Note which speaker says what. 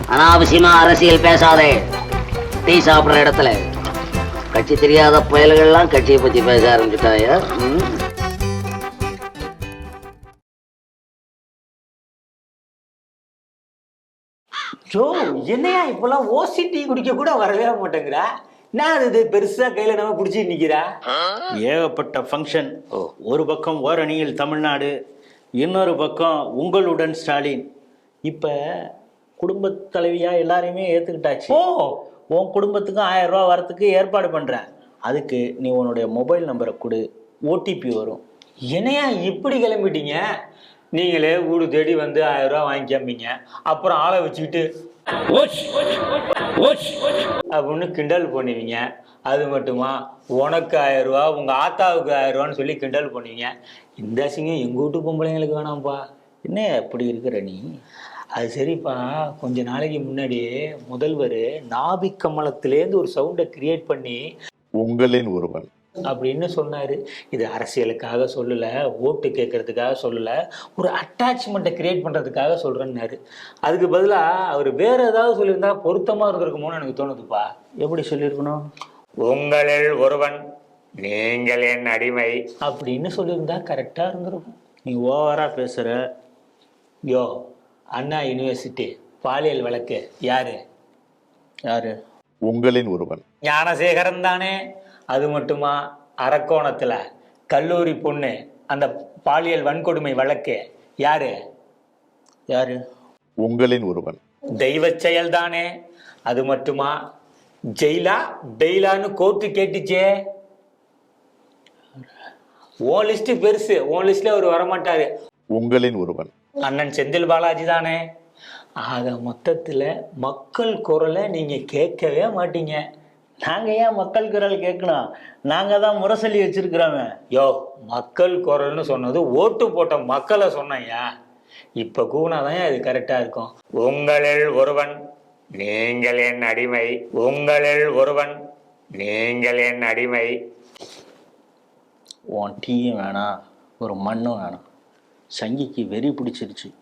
Speaker 1: அனாவசியமா அரசியல் பேசாதே. டீ சாப்பிடுற இடத்துல கட்சி தெரியாத புயல்கள்லாம் கட்சியை பத்தி பேச ஆரம்பிச்சுட்டாயா?
Speaker 2: ஜோ, என்னையா இப்பெல்லாம் ஓசி டீ குடிக்க கூட வரவே மாட்டேங்கிறா? நான் இது பெருசா கையில நம்ம குடிச்சிட்டு நிக்கிறா.
Speaker 3: ஏகப்பட்ட ஃபங்க்ஷன். ஒரு பக்கம் ஓரணியில் தமிழ்நாடு, இன்னொரு பக்கம் உங்களுடன் ஸ்டாலின். இப்போ குடும்பத் தலைவியா எல்லாரையுமே ஏற்றுக்கிட்டாச்சு. உன் குடும்பத்துக்கும் 1000 ரூபா வரத்துக்கு ஏற்பாடு பண்ணுறேன். அதுக்கு நீ உன்னுடைய மொபைல் நம்பரை கொடு, ஓடிபி வரும்.
Speaker 2: என்னையா இப்படி கிளம்பிட்டீங்க? நீங்களே வீடு தேடி வந்து 1000 ரூபா வாங்கிக்காமீங்க, அப்புறம் ஆளை வச்சுக்கிட்டு அப்படின்னு கிண்டல் பண்ணுவீங்க. அது மட்டுமா, உனக்கு 1000 ரூபா, உங்க ஆத்தாவுக்கு 1000 ரூபான்னு சொல்லி கிண்டல் பண்ணுவீங்க. இந்த சிங்கம் எங்க வீட்டு பொம்பளைங்களுக்கு வேணாம்ப்பா.
Speaker 3: என்ன எப்படி இருக்கிற நீ?
Speaker 2: அது சரிப்பா, கொஞ்ச நாளைக்கு முன்னாடியே முதல்வர் நாபிக் கமலத்திலேருந்து ஒரு சவுண்டை கிரியேட் பண்ணி
Speaker 4: உங்களின் ஒருவன்
Speaker 2: அப்படின்னு சொன்னாரு. இது அரசியலுக்காக சொல்லல, ஓட்டு கேட்கறதுக்காக சொல்லல, ஒரு அட்டாச்மெண்ட்டை கிரியேட் பண்றதுக்காக சொல்றேன்னாரு. அதுக்கு பதிலா அவர் வேற ஏதாவது சொல்லியிருந்தா பொருத்தமா இருந்திருக்குமோன்னு எனக்கு தோணுதுப்பா.
Speaker 3: எப்படி சொல்லியிருக்கணும்?
Speaker 2: உங்களில் ஒருவன், நீங்கள் என் அடிமை அப்படின்னு சொல்லியிருந்தா கரெக்டா இருந்திருக்கும்.
Speaker 3: நீ ஓவரா பேசுற.
Speaker 2: யோ, அண்ணா யூனிவர்சிட்டி பாலியல் வழக்கு யாரு?
Speaker 4: உங்களின் ஒருவன்
Speaker 2: ஞானசேகரன் தானே? அது மட்டுமா, அரக்கோணத்துல கல்லூரி பொண்ணு அந்த பாலியல் வன்கொடுமை வழக்கு யாரு?
Speaker 4: உங்களின் ஒருவன்
Speaker 2: தெய்வ செயல் தானே? அது மட்டுமா, ஜெயிலா பெயிலான்னு கோர்ட்டு கேட்டுச்சே. உன் லிஸ்ட் பெருசு, உன் லிஸ்ட்ல அவர் வரமாட்டாரு.
Speaker 4: உங்களின் ஒருவன்
Speaker 2: அண்ணன் செந்தில் பாலாஜி தானே? ஆக மொத்தத்துல மக்கள் குரலை நீங்க கேட்கவே மாட்டீங்க.
Speaker 3: நாங்கள் ஏன் மக்கள் குரல் கேட்கணும்? நாங்கள் தான் முரசொலி வச்சிருக்கிறோமே.
Speaker 2: யோ, மக்கள் குரல்னு சொன்னது ஓட்டு போட்ட மக்களை சொன்னையா. இப்ப கூனாதான் இது கரெக்டா இருக்கும். உங்களில் ஒருவன், நீங்கள் என் அடிமை. உங்களில் ஒருவன், நீங்கள் என் அடிமை.
Speaker 3: உன் டீயும் வேணாம், ஒரு மண்ணும் வேணாம். சங்கிக்கு வெறி பிடிச்சிருச்சு.